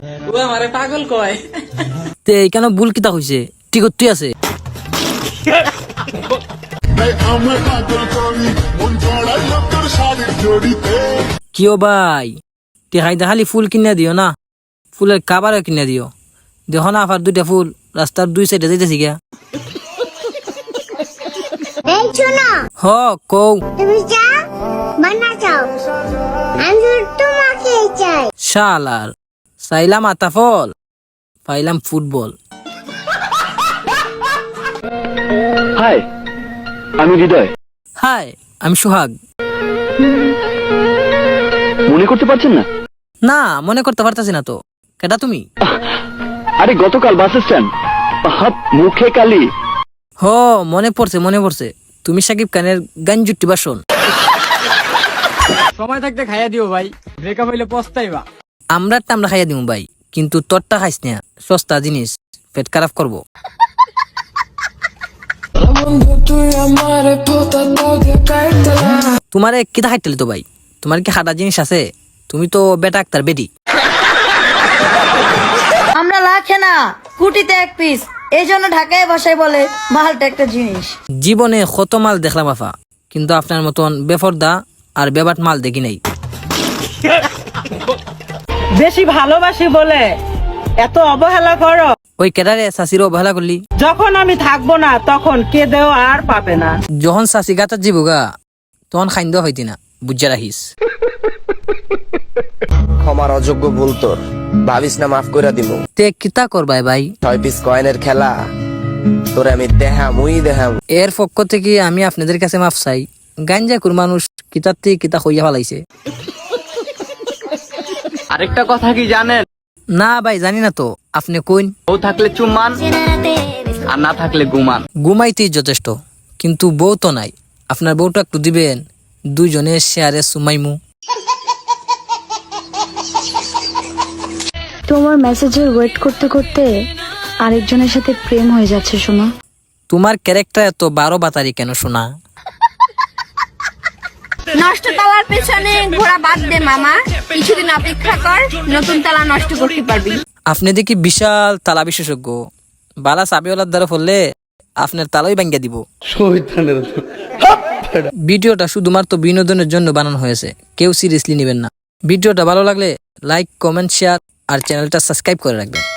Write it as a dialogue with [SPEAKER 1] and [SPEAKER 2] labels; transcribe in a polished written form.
[SPEAKER 1] ও আমারে পাগল কয়।
[SPEAKER 2] তে কেন ভুল কিতা হইছে? ঠিক তুই আছে কিও ভাই টেকাইতে খালি ফুল কিনে দিও না, ফুলের কাবারও কিনে দিও। দেখো না আফার দুইটা ফুল রাস্তার দুই সাইডে যাইতেছি গিয়া।
[SPEAKER 3] এই শোনো,
[SPEAKER 2] হ কও।
[SPEAKER 3] তুমি চা বানা চাও, আমি তোমাকে চাই।
[SPEAKER 2] শালার চাইলাম আতা ফল, পাইলাম ফুটবল।
[SPEAKER 4] হাই, আমি হৃদয়।
[SPEAKER 2] হাই, আমি সোহাগ।
[SPEAKER 4] মনে করতে পারছেন না?
[SPEAKER 2] না মনে করতে পারতাছি না তো। কেটা তুমি?
[SPEAKER 4] আরে গতকাল বাস স্ট্যান্ড, মুখে কালি।
[SPEAKER 2] হ মনে পড়ছে মনে পড়ছে, তুমি সাকিব খানের গান জুটি বাসন।
[SPEAKER 1] সময় থাকতে খাইয়া দিও ভাই, ব্রেকআপ হইলে পস্তাইবা।
[SPEAKER 2] আমরা খাইয়া দিমু ভাই, কিন্তু তোরটা খাইস না, সস্তা জিনিস, পেট খারাপ করবো। তোমারে কিতা খাইতেলি তো ভাই? তোমার কি হাঁটা জিনিস আছে? তুমি তো বেটা আক্তার বেটি।
[SPEAKER 5] আমরা লাখে না কুটিতে এক পিস, এই জন্য ঢাকায় ভাষায় বলে মালটা একটা জিনিস।
[SPEAKER 2] জীবনে কত মাল দেখলাম আফা, কিন্তু আপনার মতন বেফরদা আর বেবাট মাল দেখি নাই।
[SPEAKER 6] বেশি ভালোবাসি বলে এত অবহেলা করো?
[SPEAKER 2] ওই কেডারে শাশির অবহেলা করলি?
[SPEAKER 6] যখন আমি থাকবো না তখন কেঁদেও আর পাবে না।
[SPEAKER 2] যখন শাশি গাতার জীবগা তখন খাইন্দ হইতি না, বুঝা রাখিস।
[SPEAKER 7] ক্ষমার অযোগ্য ভুল তোর, ভাবিস না মাফ করে দিব।
[SPEAKER 2] তে কিতা করবাই ভাই?
[SPEAKER 7] 6 পিস কয়েনের খেলা তোরে আমি দেহাম।
[SPEAKER 2] এর পক্ষ থেকে আমি আপনাদের কাছে মাফ চাই। গাঞ্জাকুর মানুষ কিতার থেকে কিতা হইয়া ফেলাইছে।
[SPEAKER 1] আরেকটা কথা কি জানেন?
[SPEAKER 2] না ভাই জানি না তো, আপনি কইন।
[SPEAKER 1] বউ থাকলে চুম্মান, আর না থাকলে গুমান।
[SPEAKER 2] ঘুমাইতেই যথেষ্ট, কিন্তু বউ তো নাই। আপনার বউটা একটু দিবেন, দুইজনে শেয়ারে সুমাইমু।
[SPEAKER 8] তোমার মেসেজের ওয়েট করতে করতে আরেকজনের সাথে প্রেম হয়ে যাচ্ছে শোনা।
[SPEAKER 2] তোমার ক্যারেক্টার এত 12 বাতারি কেন শোনা?
[SPEAKER 5] নষ্ট তালার পেছনে ঘোড়া বাদ দে মামা, কিছুদিন অপেক্ষা কর, নতুন তালা নষ্ট করতে পারবি।
[SPEAKER 2] আপনি দেখি বিশাল তালা বিশেষজ্ঞ, বালা চাবিওয়ালার দ্বারা ফললে আপনার তালাই ভাঙ্গিয়া দিব। ভিডিওটা শুধুমাত্র বিনোদনের জন্য বানানো হয়েছে, কেউ সিরিয়াসলি নেবেন না। ভিডিওটা ভালো লাগলে লাইক, কমেন্ট, শেয়ার আর চ্যানেলটা সাবস্ক্রাইব করে রাখবেন।